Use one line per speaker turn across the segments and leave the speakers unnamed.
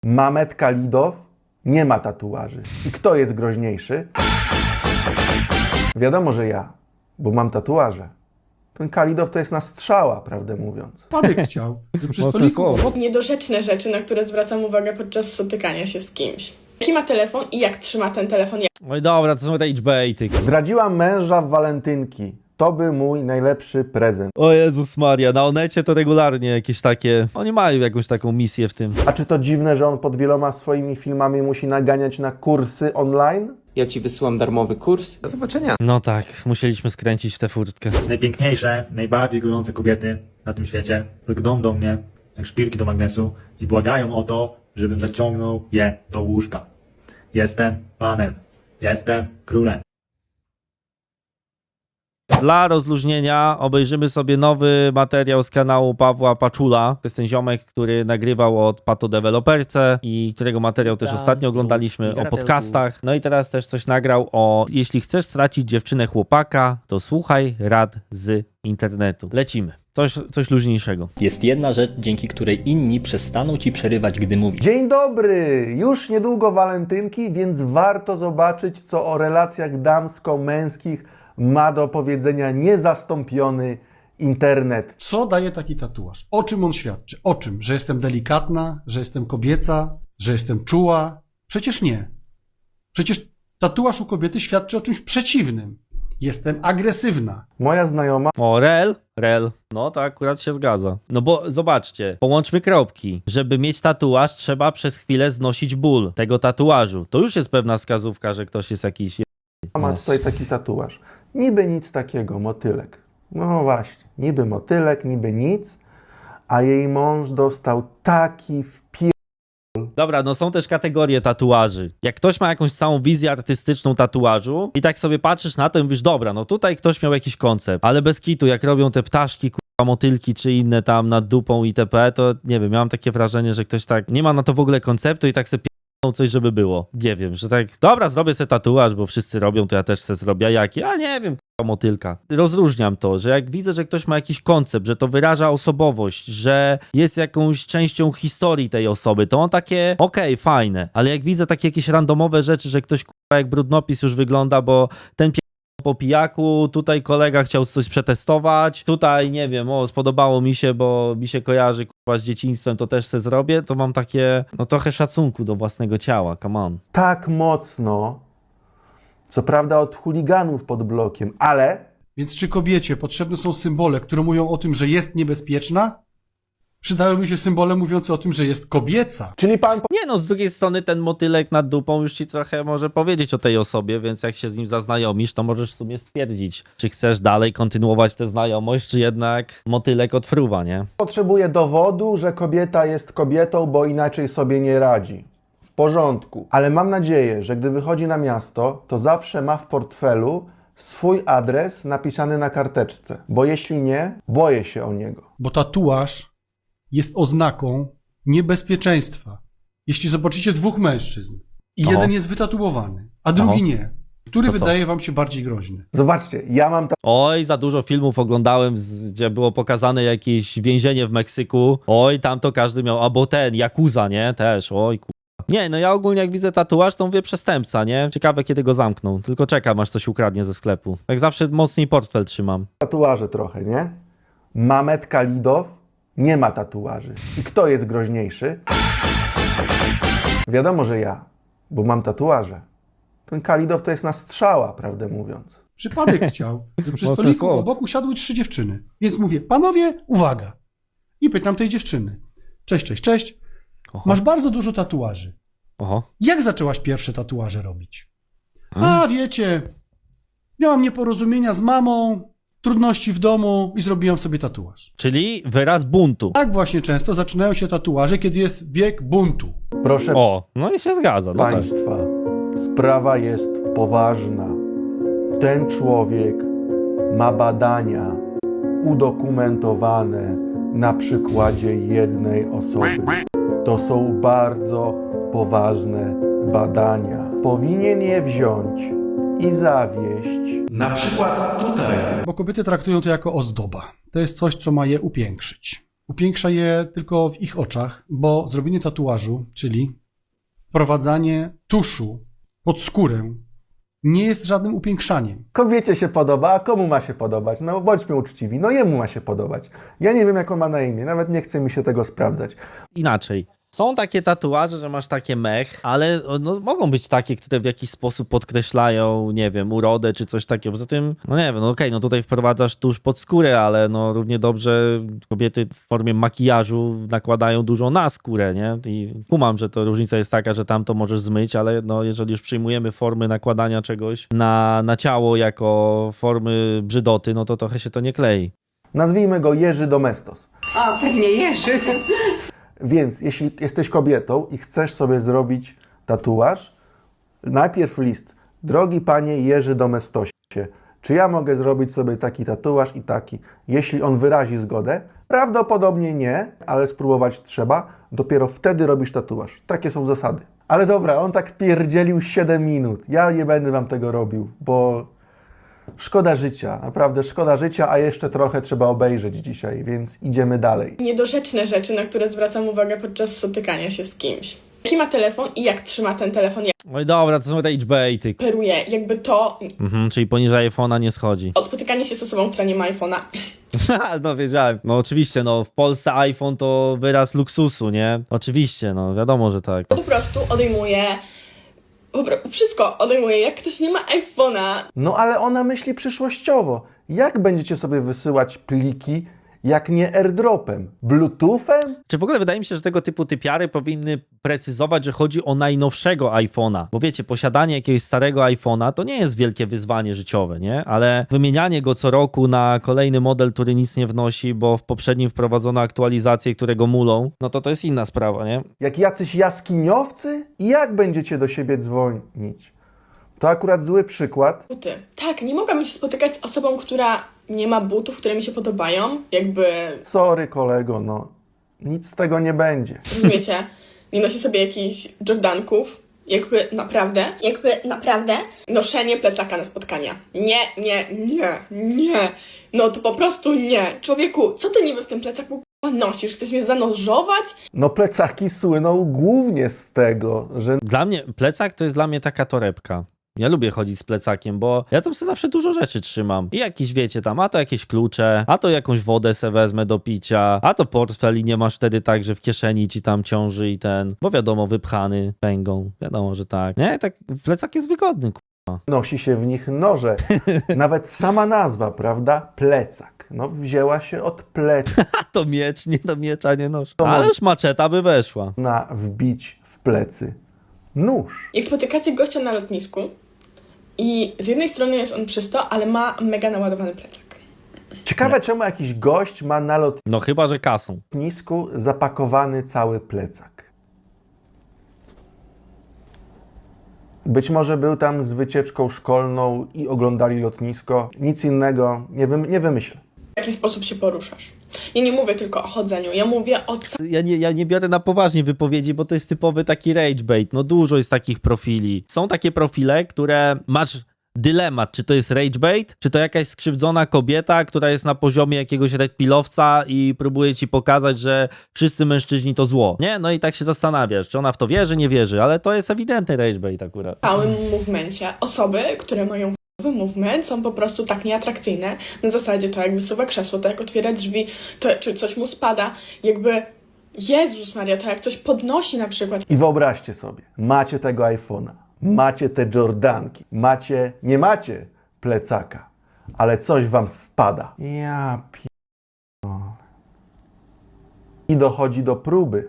Mamet Kalidow nie ma tatuaży. I kto jest groźniejszy? Wiadomo, że ja, bo mam tatuaże. Ten Kalidow to jest na strzała, prawdę mówiąc.
Wpadek chciał. Że przy
Mocne
stoliku
słowo.
obok
Niedorzeczne rzeczy, na które zwracam uwagę podczas spotykania się z kimś. Jaki ma telefon i jak trzyma ten telefon?
Oj dobra, to są te baity.
Zdradziłam męża w walentynki. To był mój najlepszy prezent.
O Jezus Maria, na Onecie to regularnie jakieś takie... Oni mają jakąś taką misję w tym.
A czy to dziwne, że on pod wieloma swoimi filmami musi naganiać na kursy online?
Ja ci wysyłam darmowy kurs. Do zobaczenia.
No tak, musieliśmy skręcić w tę furtkę.
Najpiękniejsze, najbardziej gorące kobiety na tym świecie lgną do mnie jak szpilki do magnesu i błagają o to, żebym zaciągnął je do łóżka. Jestem panem. Jestem królem.
Dla rozluźnienia obejrzymy sobie nowy materiał z kanału Pawła Paczula. To jest ten ziomek, który nagrywał od Pato Deweloperce i którego materiał też ostatnio oglądaliśmy o podcastach. No i teraz też coś nagrał o jeśli chcesz stracić dziewczynę chłopaka, to słuchaj rad z internetu. Lecimy. Coś luźniejszego.
Jest jedna rzecz, dzięki której inni przestaną ci przerywać, gdy mówisz.
Dzień dobry! Już niedługo walentynki, więc warto zobaczyć, co o relacjach damsko-męskich ma do powiedzenia niezastąpiony internet.
co daje taki tatuaż? O czym on świadczy? O czym? Że jestem delikatna, że jestem kobieca, że jestem czuła? Przecież nie. Przecież tatuaż u kobiety świadczy o czymś przeciwnym. Jestem agresywna.
Moja znajoma
O, rel. No to akurat się zgadza. No bo zobaczcie, połączmy kropki. Żeby mieć tatuaż, trzeba przez chwilę znosić ból tego tatuażu. To już jest pewna wskazówka, że ktoś jest jakiś...
ma tutaj taki tatuaż. Niby nic takiego, motylek. No właśnie, niby motylek, niby nic, a jej mąż dostał taki
Dobra, no są też kategorie tatuaży. Jak ktoś ma jakąś całą wizję artystyczną tatuażu i tak sobie patrzysz na to i mówisz, dobra, no tutaj ktoś miał jakiś koncept, ale bez kitu, jak robią te ptaszki, motylki czy inne tam nad dupą itp., to nie wiem, miałem takie wrażenie, że ktoś tak nie ma na to w ogóle konceptu i tak sobie coś, żeby było. Nie wiem, że tak, dobra, zrobię sobie tatuaż, bo wszyscy robią, to ja też sobie zrobię. A jaki? A nie wiem, motylka. Rozróżniam to, że jak widzę, że ktoś ma jakiś koncept, że to wyraża osobowość, że jest jakąś częścią historii tej osoby, to on takie, okej, fajne, ale jak widzę takie jakieś randomowe rzeczy, że ktoś jak brudnopis już wygląda, bo ten po pijaku, tutaj kolega chciał coś przetestować, tutaj nie wiem, o spodobało mi się, bo mi się kojarzy z dzieciństwem, to też se zrobię, to mam takie, no trochę szacunku do własnego ciała, come on.
tak mocno, co prawda od chuliganów pod blokiem, ale
Więc czy kobiecie potrzebne są symbole, które mówią o tym, że jest niebezpieczna? Przydałyby się symbole mówiące o tym, że jest kobieca.
czyli pan
Nie no, z drugiej strony ten motylek nad dupą już ci trochę może powiedzieć o tej osobie, więc jak się z nim zaznajomisz, to możesz w sumie stwierdzić, czy chcesz dalej kontynuować tę znajomość, czy jednak motylek odfruwa, nie?
potrzebuje dowodu, że kobieta jest kobietą, bo inaczej sobie nie radzi. W porządku. Ale mam nadzieję, że gdy wychodzi na miasto, to zawsze ma w portfelu swój adres napisany na karteczce. Bo jeśli nie, boję się o niego.
Bo tatuaż jest oznaką niebezpieczeństwa. Jeśli zobaczycie dwóch mężczyzn i
Oho.
jeden jest wytatuowany, a drugi
Oho.
nie, który
To co?
wydaje wam się bardziej groźny?
Zobaczcie, ja mam
Oj, za dużo filmów oglądałem, gdzie było pokazane jakieś więzienie w Meksyku. Oj, tam to każdy miał, albo ten, Yakuza, nie? Też, oj kurwa. Nie, no ja ogólnie jak widzę tatuaż, to mówię przestępca, nie? Ciekawe kiedy go zamkną, tylko czekam aż coś ukradnie ze sklepu. Tak zawsze mocniej portfel trzymam.
tatuaże trochę, nie? Mamet Kalidow nie ma tatuaży. I kto jest groźniejszy? Wiadomo, że ja, bo mam tatuaże. Ten Kalidow to jest na strzała, prawdę mówiąc.
Przypadek chciał, że przy
Mocne
stoliku
słowo.
obok usiadły 3 dziewczyny. Więc mówię, panowie, uwaga. I pytam tej dziewczyny. Cześć, cześć, cześć.
Oho.
Masz bardzo dużo tatuaży.
Oho.
Jak zaczęłaś pierwsze tatuaże robić? A wiecie, miałam nieporozumienia z mamą, trudności w domu i zrobiłam sobie tatuaż.
Czyli wyraz buntu.
Tak właśnie często zaczynają się tatuaże, kiedy jest wiek buntu.
Proszę
O, no i się zgadza. No tak.
Państwa, sprawa jest poważna. Ten człowiek ma badania udokumentowane na przykładzie jednej osoby. To są bardzo poważne badania. Powinien je wziąć i zawieść. Na przykład tutaj.
Bo kobiety traktują to jako ozdoba. To jest coś, co ma je upiększyć. upiększa je tylko w ich oczach, bo zrobienie tatuażu, czyli wprowadzanie tuszu pod skórę, nie jest żadnym upiększaniem.
Kobiecie się podoba, a komu ma się podobać? No bądźmy uczciwi, no jemu ma się podobać. Ja nie wiem, jak on ma na imię, nawet nie chce mi się tego sprawdzać.
Inaczej. Są takie tatuaże, że masz takie mech, ale no, mogą być takie, które w jakiś sposób podkreślają, nie wiem, urodę czy coś takiego. Poza tym, no nie wiem, no okej, no tutaj wprowadzasz tusz pod skórę, ale no równie dobrze kobiety w formie makijażu nakładają dużo na skórę, nie? I kumam, że to różnica jest taka, że tam to możesz zmyć, ale no jeżeli już przyjmujemy formy nakładania czegoś na ciało jako formy brzydoty, no to trochę się to nie klei.
Nazwijmy go Jerzy Domestos.
O, pewnie Jerzy.
Więc jeśli jesteś kobietą i chcesz sobie zrobić tatuaż, najpierw list. Drogi panie Jerzy Domestosie, czy ja mogę zrobić sobie taki tatuaż i taki? Jeśli on wyrazi zgodę, prawdopodobnie nie, ale spróbować trzeba. Dopiero wtedy robisz tatuaż. Takie są zasady. Ale dobra, on tak pierdzielił 7 minut. Ja nie będę wam tego robił, bo szkoda życia, naprawdę szkoda życia, a jeszcze trochę trzeba obejrzeć dzisiaj, więc idziemy dalej.
Niedorzeczne rzeczy, na które zwracam uwagę podczas spotykania się z kimś. Jaki ma telefon i jak trzyma ten telefon, jak
Oj dobra, to są ragebaity.
operuje, jakby to
Czyli poniżej iPhone'a nie schodzi.
o spotykanie się z osobą, która nie ma iPhone'a.
No wiedziałem. No oczywiście, no w Polsce iPhone to wyraz luksusu, nie? Oczywiście, no wiadomo, że tak.
Po prostu odejmuje wszystko odejmuje. Jak ktoś nie ma iPhone'a,
No ale ona myśli przyszłościowo. Jak będziecie sobie wysyłać pliki, jak nie airdropem? Bluetoothem?
Czy w ogóle wydaje mi się, że tego typu typiary powinny precyzować, że chodzi o najnowszego iPhone'a. Bo wiecie, posiadanie jakiegoś starego iPhone'a to nie jest wielkie wyzwanie życiowe, nie? Ale wymienianie go co roku na kolejny model, który nic nie wnosi, bo w poprzednim wprowadzono aktualizacje, które go mulą, no to jest inna sprawa, nie?
Jak jacyś jaskiniowcy? Jak będziecie do siebie dzwonić? To akurat zły przykład.
buty. Tak, nie mogłabym się spotykać z osobą, która nie ma butów, które mi się podobają. Jakby,
Sorry kolego, no nic z tego nie będzie.
rozumiecie, nie nosi sobie jakichś Jordanków. Jakby naprawdę noszenie plecaka na spotkania. Nie. No to po prostu nie. Człowieku, co ty niby w tym plecaku nosisz? Chcesz mnie zanurzować?
No plecaki słyną głównie z tego, że
Dla mnie plecak to jest dla mnie taka torebka. Ja lubię chodzić z plecakiem, bo ja tam sobie zawsze dużo rzeczy trzymam. I jakieś, wiecie, tam, a to jakieś klucze, a to jakąś wodę se wezmę do picia, a to portfel i nie masz wtedy tak, że w kieszeni ci tam ciąży i bo wiadomo, wypchany pęgą. Wiadomo, że tak. Nie, tak, plecak jest wygodny,
nosi się w nich noże. Nawet sama nazwa, prawda? Plecak. No wzięła się od pleca.
A to miecz, nie do miecza nie noszę. Ale już maczeta by weszła.
Na wbić w plecy nóż.
Jak spotykacie gościa na lotnisku i z jednej strony jest on czysto, ale ma mega naładowany plecak.
Ciekawe, czemu jakiś gość ma na
No chyba, że kasą.
lotnisku zapakowany cały plecak. Być może był tam z wycieczką szkolną i oglądali lotnisko. Nic innego nie wymyślę.
W jaki sposób się poruszasz? Ja nie mówię tylko o chodzeniu, ja mówię o
Ja nie biorę na poważnie wypowiedzi, bo to jest typowy taki rage bait. No dużo jest takich profili. Są takie profile, które masz dylemat, czy to jest rage bait, czy to jakaś skrzywdzona kobieta, która jest na poziomie jakiegoś redpillowca i próbuje ci pokazać, że wszyscy mężczyźni to zło. Nie? No i tak się zastanawiasz, czy ona w to wierzy, nie wierzy, ale to jest ewidentny rage bait akurat.
całym movemencie. Osoby, które mają movement, są po prostu tak nieatrakcyjne. Na zasadzie to jak wysuwa krzesło, to jak otwiera drzwi, to czy coś mu spada. Jakby, Jezus Maria, to jak coś podnosi na przykład.
I wyobraźcie sobie, macie tego iPhone'a, macie te Jordanki, nie macie plecaka, ale coś wam spada. Ja pierdolę. I dochodzi do próby.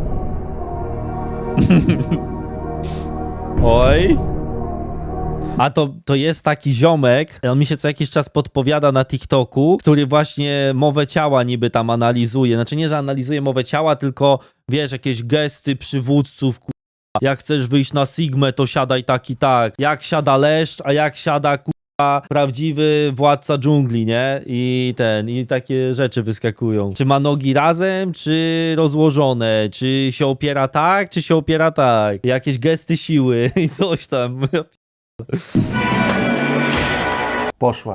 Oj. A to jest taki ziomek, on mi się co jakiś czas podpowiada na TikToku, który właśnie mowę ciała niby tam analizuje. Znaczy nie, że analizuje mowę ciała, tylko wiesz, jakieś gesty przywódców, jak chcesz wyjść na Sigmę, to siadaj tak i tak. Jak siada leszcz, a jak siada prawdziwy władca dżungli, nie? I takie rzeczy wyskakują. Czy ma nogi razem, czy rozłożone? Czy się opiera tak, czy się opiera tak? Jakieś gesty siły i coś tam.
Poszła.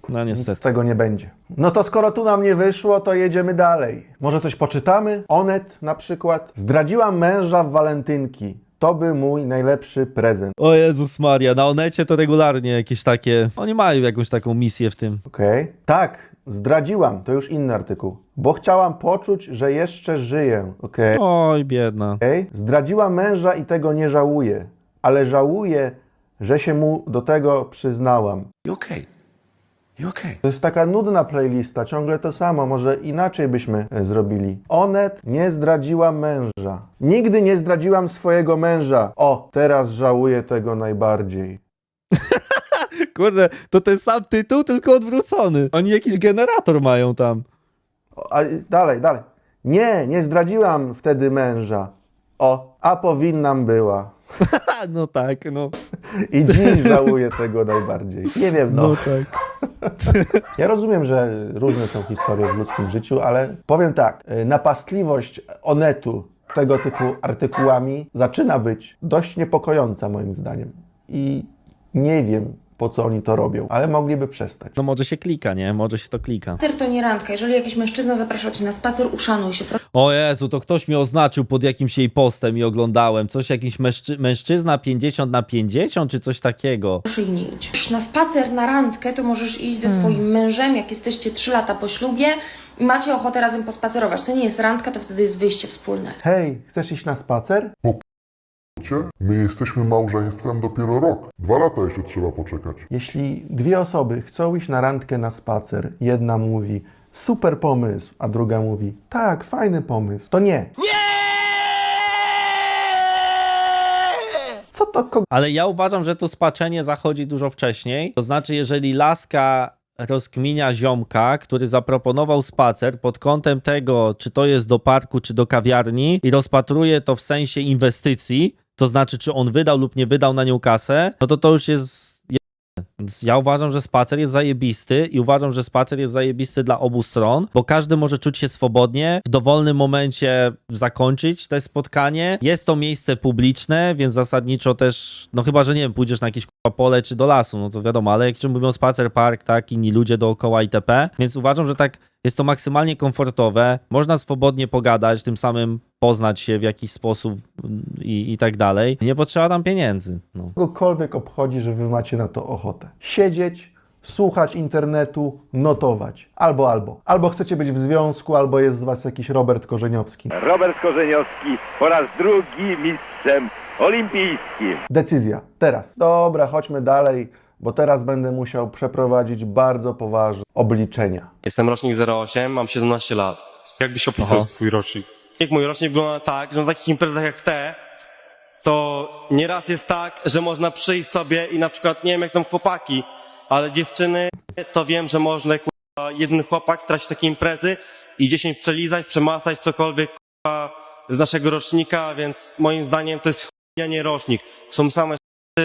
No
Nic
niestety.
z tego nie będzie. No to skoro tu nam nie wyszło, to jedziemy dalej. Może coś poczytamy? Onet na przykład. Zdradziłam męża w walentynki. To był mój najlepszy prezent.
O Jezus Maria, na Onecie to regularnie jakieś takie... Oni mają jakąś taką misję w tym.
Okej. Tak, zdradziłam. To już inny artykuł. Bo chciałam poczuć, że jeszcze żyję. Okej.
Oj, biedna.
Okej. Zdradziłam męża i tego nie żałuję. Ale żałuję, że się mu do tego przyznałam. To jest taka nudna playlista, ciągle to samo, może inaczej byśmy zrobili. Onet, nie zdradziłam męża. Nigdy nie zdradziłam swojego męża. O, teraz żałuję tego najbardziej.
Kurde, to ten sam tytuł, tylko odwrócony. Oni jakiś generator mają tam.
O, a, dalej. Nie zdradziłam wtedy męża. O, a powinnam była.
No tak, no.
I dziś żałuję tego najbardziej. Nie wiem, no.
No tak.
Ja rozumiem, że różne są historie w ludzkim życiu, ale powiem tak, napastliwość Onetu tego typu artykułami zaczyna być dość niepokojąca moim zdaniem. I nie wiem, po co oni to robią, ale mogliby przestać.
No może się klika, nie? Może się to klika.
Spacer to nie randka. Jeżeli jakiś mężczyzna zaprasza cię na spacer, uszanuj się.
O Jezu, to ktoś mnie oznaczył pod jakimś jej postem i oglądałem. Coś jakiś mężczyzna 50/50 czy coś takiego.
Proszę ich nie idź. Na spacer, na randkę to możesz iść ze swoim mężem, jak jesteście 3 lata po ślubie i macie ochotę razem pospacerować. To nie jest randka, to wtedy jest wyjście wspólne.
Hej, chcesz iść na spacer?
My jesteśmy małżeństwem dopiero rok. 2 lata jeszcze trzeba poczekać.
Jeśli dwie osoby chcą iść na randkę na spacer, jedna mówi super pomysł, a druga mówi tak, fajny pomysł, to nie. Co to
Ale ja uważam, że to spaczenie zachodzi dużo wcześniej. To znaczy, jeżeli laska rozkminia ziomka, który zaproponował spacer pod kątem tego, czy to jest do parku, czy do kawiarni i rozpatruje to w sensie inwestycji, to znaczy, czy on wydał lub nie wydał na nią kasę, no to już jest... Więc ja uważam, że spacer jest zajebisty i uważam, że spacer jest zajebisty dla obu stron, bo każdy może czuć się swobodnie, w dowolnym momencie zakończyć to spotkanie. Jest to miejsce publiczne, więc zasadniczo też, no chyba, że nie wiem, pójdziesz na jakieś pole czy do lasu, no to wiadomo, ale jak się mówią spacer, park, tak, inni ludzie dookoła itp. Więc uważam, że tak jest to maksymalnie komfortowe, można swobodnie pogadać, tym samym poznać się w jakiś sposób i tak dalej. Nie potrzeba tam pieniędzy. No.
kogokolwiek obchodzi, że wy macie na to ochotę? Siedzieć, słuchać internetu, notować. Albo. Albo chcecie być w związku, albo jest z was jakiś Robert Korzeniowski.
Robert Korzeniowski po raz drugi mistrzem olimpijskim.
Decyzja. Teraz. Dobra, chodźmy dalej, bo teraz będę musiał przeprowadzić bardzo poważne obliczenia.
Jestem rocznik 08, mam 17 lat.
Jakbyś opisał twój rocznik?
Jak mój rocznik wygląda tak, że na takich imprezach jak te, to nieraz jest tak, że można przyjść sobie i na przykład, nie wiem jak tam chłopaki, ale dziewczyny, to wiem, że można jeden chłopak tracić takie imprezy i 10 przelizać, przemacać cokolwiek z naszego rocznika, więc moim zdaniem to jest nie rocznik. Są same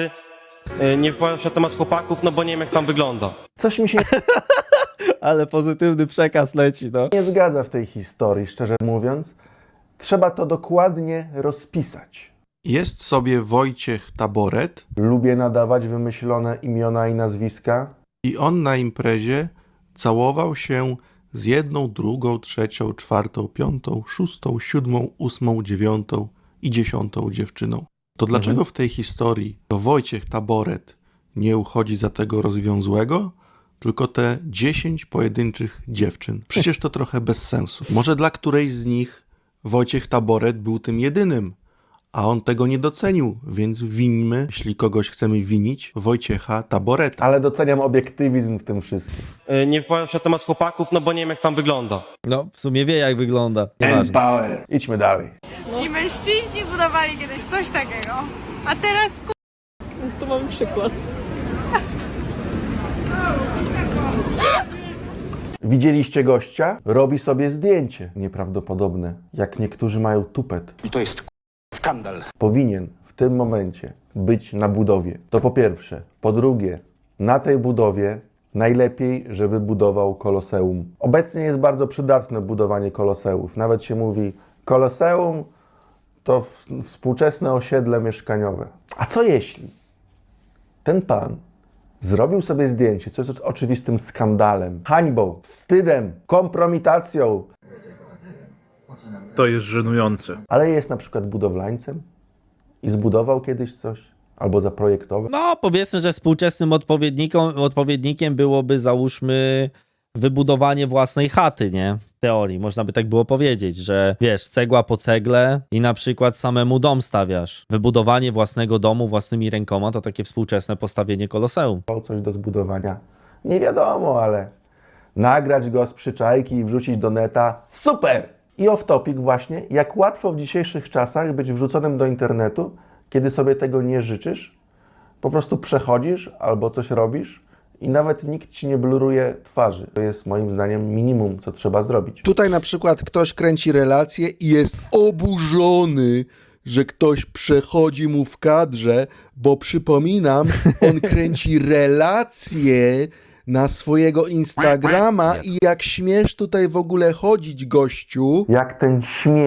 nie wypowiadam się na temat chłopaków, no bo nie wiem jak tam wygląda.
Coś mi się
Ale pozytywny przekaz leci, no.
nie zgadza w tej historii, szczerze mówiąc. Trzeba to dokładnie rozpisać. Jest sobie Wojciech Taboret. Lubię nadawać wymyślone imiona i nazwiska. I on na imprezie całował się z 1, 2, 3, 4, 5, 6, 7, 8, 9 i 10 dziewczyną. To dlaczego w tej historii to Wojciech Taboret nie uchodzi za tego rozwiązłego, tylko te 10 pojedynczych dziewczyn? Przecież to trochę bez sensu. Może dla którejś z nich Wojciech Taboret był tym jedynym, a on tego nie docenił, więc wińmy, jeśli kogoś chcemy winić, Wojciecha Taboreta. Ale doceniam obiektywizm w tym wszystkim.
Nie wypowiadam się na temat chłopaków, no bo nie wiem jak tam wygląda.
No, w sumie wie jak wygląda. Nieważne.
Power. Idźmy dalej.
I mężczyźni budowali kiedyś coś takiego, a teraz
Tu mamy przykład.
Widzieliście gościa? Robi sobie zdjęcie. Nieprawdopodobne. Jak niektórzy mają tupet.
I to jest skandal.
Powinien w tym momencie być na budowie. To po pierwsze. Po drugie, na tej budowie najlepiej, żeby budował koloseum. Obecnie jest bardzo przydatne budowanie koloseów. Nawet się mówi, koloseum to współczesne osiedle mieszkaniowe. A co jeśli ten pan Zrobił sobie zdjęcie, co jest oczywistym skandalem, hańbą, wstydem, kompromitacją,
To jest żenujące.
ale jest na przykład budowlańcem i zbudował kiedyś coś, albo zaprojektował.
No, powiedzmy, że współczesnym odpowiednikiem byłoby, załóżmy, wybudowanie własnej chaty, nie? W teorii, można by tak było powiedzieć, że wiesz, cegła po cegle i na przykład samemu dom stawiasz. Wybudowanie własnego domu własnymi rękoma to takie współczesne postawienie koloseum.
Coś do zbudowania. Nie wiadomo, ale nagrać go z przyczajki i wrzucić do neta, super! I off topic właśnie, jak łatwo w dzisiejszych czasach być wrzuconym do internetu, kiedy sobie tego nie życzysz, po prostu przechodzisz albo coś robisz i nawet nikt ci nie bluruje twarzy. To jest moim zdaniem minimum, co trzeba zrobić.
Tutaj na przykład ktoś kręci relację i jest oburzony, że ktoś przechodzi mu w kadrze, bo przypominam, on kręci relacje na swojego Instagrama i jak śmiesz tutaj w ogóle chodzić, gościu.
Jak ten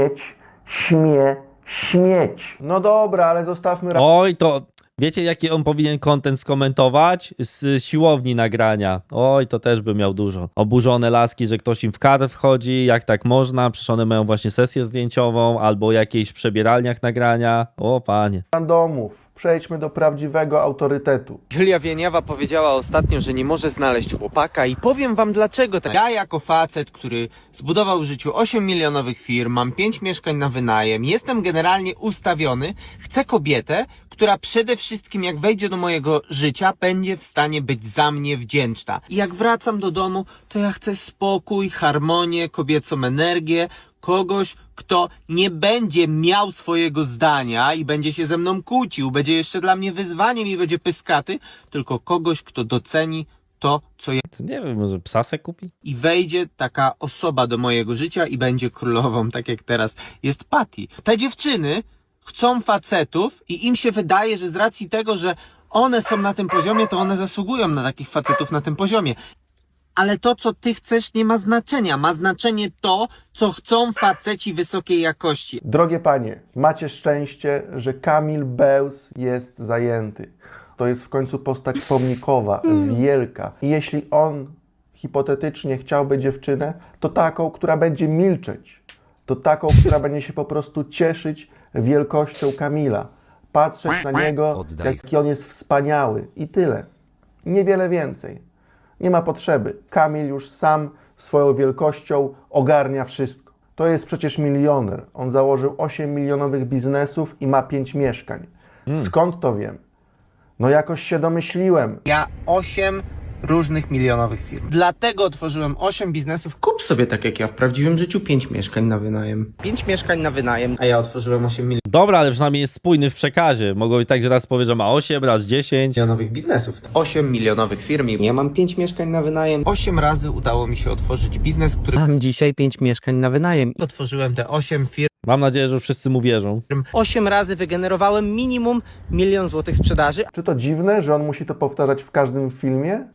śmieć. No dobra, ale zostawmy...
Oj, to wiecie, jaki on powinien content skomentować? Z siłowni nagrania. Oj, to też by miał dużo. Oburzone laski, że ktoś im w kadr wchodzi, jak tak można, przecież one mają właśnie sesję zdjęciową, albo jakieś w przebieralniach nagrania. O, panie.
Randomów. Przejdźmy do prawdziwego autorytetu.
Julia Wieniawa powiedziała ostatnio, że nie może znaleźć chłopaka i powiem wam dlaczego. Ja jako facet, który zbudował w życiu 8 milionowych firm, mam 5 mieszkań na wynajem, jestem generalnie ustawiony, chcę kobietę, która przede wszystkim jak wejdzie do mojego życia, będzie w stanie być za mnie wdzięczna. I jak wracam do domu, to ja chcę spokój, harmonię, kobiecą energię, kogoś, kto nie będzie miał swojego zdania i będzie się ze mną kłócił, będzie jeszcze dla mnie wyzwaniem i będzie pyskaty, tylko kogoś, kto doceni to, co ja...
Nie wiem, może psa se kupi?
I wejdzie taka osoba do mojego życia i będzie królową, tak jak teraz jest Patty. Te dziewczyny chcą facetów i im się wydaje, że z racji tego, że one są na tym poziomie, to one zasługują na takich facetów na tym poziomie. Ale to, co ty chcesz, nie ma znaczenia. Ma znaczenie to, co chcą faceci wysokiej jakości.
Drogie panie, macie szczęście, że Kamil Bełz jest zajęty. To jest w końcu postać pomnikowa, wielka. I jeśli on hipotetycznie chciałby dziewczynę, to taką, która będzie milczeć. To taką, która będzie się po prostu cieszyć wielkością Kamila. Patrzeć na niego, jaki on jest wspaniały. I tyle. Niewiele więcej. Nie ma potrzeby. Kamil już sam swoją wielkością ogarnia wszystko. To jest przecież milioner. On założył 8 milionowych biznesów i ma 5 mieszkań. Skąd to wiem? No jakoś się domyśliłem.
Ja 8 różnych milionowych firm. Dlatego otworzyłem 8 biznesów. Kup sobie tak jak ja w prawdziwym życiu 5 mieszkań na wynajem. 5 mieszkań na wynajem, a ja otworzyłem 8
Dobra, ale przynajmniej jest spójny w przekazie. Mogło być tak, że raz powie, że ma 8, raz 10.
milionowych biznesów. 8 milionowych firm. Ja mam 5 mieszkań na wynajem. 8 razy udało mi się otworzyć biznes, który... Mam dzisiaj 5 mieszkań na wynajem. Otworzyłem te 8 firm.
Mam nadzieję, że wszyscy mu wierzą.
8 razy wygenerowałem minimum 1 000 000 złotych sprzedaży.
Czy to dziwne, że on musi to powtarzać w każdym filmie?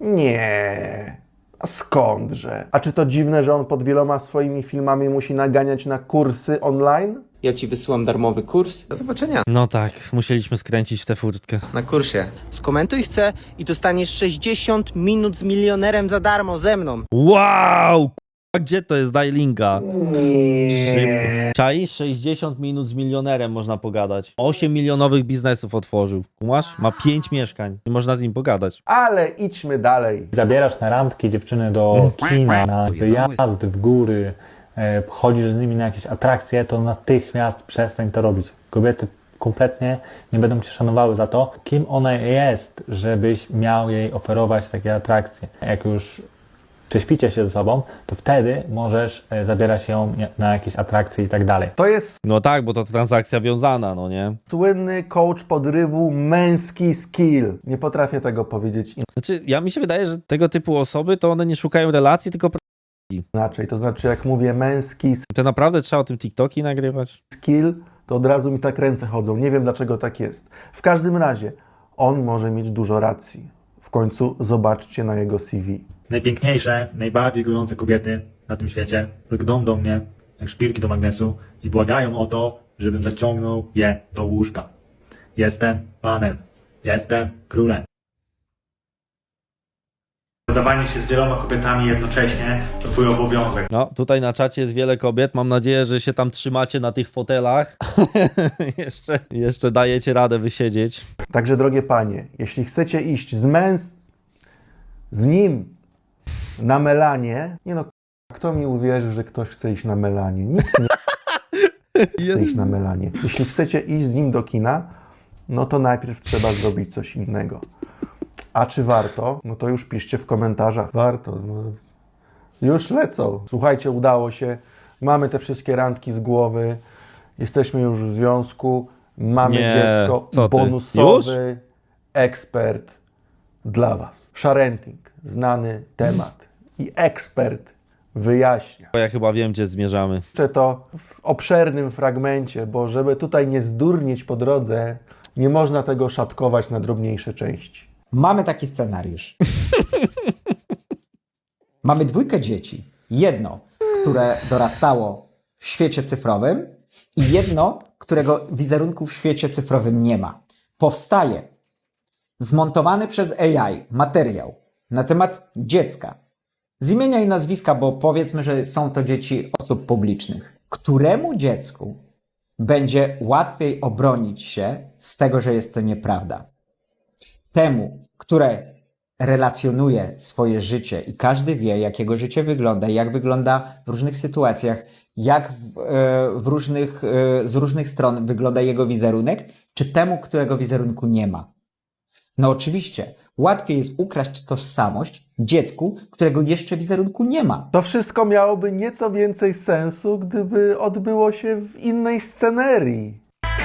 Nie. A skądże? A czy to dziwne, że on pod wieloma swoimi filmami musi naganiać na kursy online?
Ja ci wysyłam darmowy kurs. Do zobaczenia
No tak, musieliśmy skręcić w tę furtkę.
na kursie. Skomentuj chcę i dostaniesz 60 minut z milionerem za darmo ze mną.
Wow! A gdzie to jest? Daj linka.
Nie.
Czaisz? 60 minut z milionerem można pogadać. 8 milionowych biznesów otworzył. Kumasz? Ma 5 mieszkań i można z nim pogadać.
Ale idźmy dalej.
Zabierasz na randki dziewczyny do kina, na wyjazdy w góry, chodzisz z nimi na jakieś atrakcje, to natychmiast przestań to robić. Kobiety kompletnie nie będą cię szanowały za to, kim ona jest, żebyś miał jej oferować takie atrakcje. Jak już prześpicie się ze sobą, to wtedy możesz zabierać ją na jakieś atrakcje i tak dalej.
To jest
No tak, bo to transakcja wiązana, no nie?
słynny coach podrywu, męski skill. Nie potrafię tego powiedzieć
Znaczy, mi się wydaje, że tego typu osoby to one nie szukają relacji, tylko
inaczej. To znaczy, jak mówię męski
to naprawdę trzeba o tym TikToki nagrywać.
skill, to od razu mi tak ręce chodzą. Nie wiem, dlaczego tak jest. W każdym razie, on może mieć dużo racji. W końcu zobaczcie na jego CV.
Najpiękniejsze, najbardziej gorące kobiety na tym świecie lgną do mnie jak szpilki do magnesu i błagają o to, żebym zaciągnął je do łóżka. Jestem panem. Jestem królem. zadawanie się z wieloma kobietami jednocześnie to twój obowiązek.
No, tutaj na czacie jest wiele kobiet. Mam nadzieję, że się tam trzymacie na tych fotelach. jeszcze dajecie radę wysiedzieć.
Także drogie panie, jeśli chcecie iść z nim na melanie, nie no, kto mi uwierzy, że ktoś chce iść na melanie? Nikt nie chce iść na melanie. Jeśli chcecie iść z nim do kina, no to najpierw trzeba zrobić coś innego. A czy warto? No to już piszcie w komentarzach. Warto. No. Już lecą. Słuchajcie, udało się. Mamy te wszystkie randki z głowy. Jesteśmy już w związku. Mamy dziecko.
co ty?
Bonusowy ekspert dla was. Sharenting. Znany temat. I ekspert wyjaśnia.
Bo ja chyba wiem, gdzie zmierzamy.
Jeszcze to w obszernym fragmencie, bo żeby tutaj nie zdurnieć po drodze, nie można tego szatkować na drobniejsze części.
Mamy taki scenariusz. Mamy 2 dzieci. Jedno, które dorastało w świecie cyfrowym i jedno, którego wizerunku w świecie cyfrowym nie ma. Powstaje zmontowany przez AI materiał na temat dziecka. Z imienia i nazwiska, bo powiedzmy, że są to dzieci osób publicznych. Któremu dziecku będzie łatwiej obronić się z tego, że jest to nieprawda? Temu, które relacjonuje swoje życie i każdy wie, jak jego życie wygląda, jak wygląda w różnych sytuacjach, jak z różnych stron wygląda jego wizerunek, czy temu, którego wizerunku nie ma? No oczywiście, łatwiej jest ukraść tożsamość dziecku, którego jeszcze wizerunku nie ma.
To wszystko miałoby nieco więcej sensu, gdyby odbyło się w innej scenerii.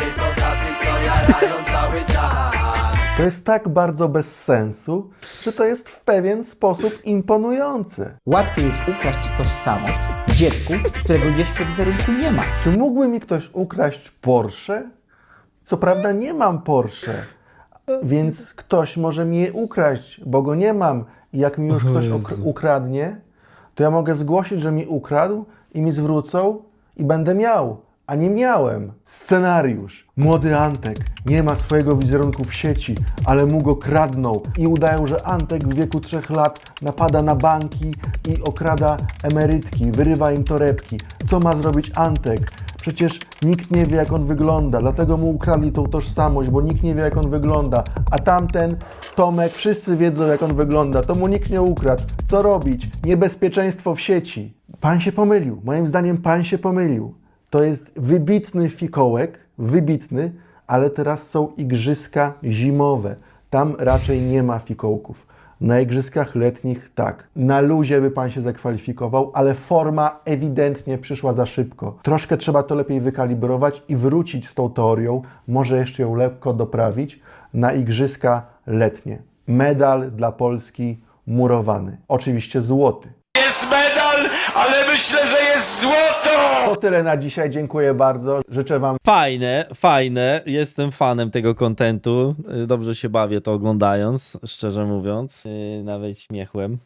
To jest tak bardzo bez sensu, że to jest w pewien sposób imponujące.
Łatwiej jest ukraść tożsamość dziecku, którego jeszcze wizerunku nie ma.
Czy mógłby mi ktoś ukraść Porsche? Co prawda nie mam Porsche, więc ktoś może mi je ukraść, bo go nie mam. I jak mi już ktoś ukradnie, to ja mogę zgłosić, że mi ukradł i mi zwrócą i będę miał, a nie miałem. Scenariusz. Młody Antek nie ma swojego wizerunku w sieci, ale mu go kradną i udają, że Antek w wieku 3 lat napada na banki i okrada emerytki, wyrywa im torebki. Co ma zrobić Antek? Przecież nikt nie wie, jak on wygląda, dlatego mu ukradli tą tożsamość, bo nikt nie wie, jak on wygląda. A tamten, Tomek, wszyscy wiedzą, jak on wygląda, to mu nikt nie ukradł. Co robić? Niebezpieczeństwo w sieci. Pan się pomylił. Moim zdaniem pan się pomylił. To jest wybitny fikołek, wybitny, ale teraz są igrzyska zimowe. Tam raczej nie ma fikołków. Na igrzyskach letnich tak. Na luzie by pan się zakwalifikował, ale forma ewidentnie przyszła za szybko. Troszkę trzeba to lepiej wykalibrować i wrócić z tą teorią, może jeszcze ją lekko doprawić, na igrzyska letnie. Medal dla Polski murowany. Oczywiście złoty.
Jest medal, ale myślę, że jest złoto!
To tyle na dzisiaj, dziękuję bardzo. Życzę wam
Fajne. Jestem fanem tego kontentu. Dobrze się bawię to oglądając, szczerze mówiąc. Nawet śmiechłem.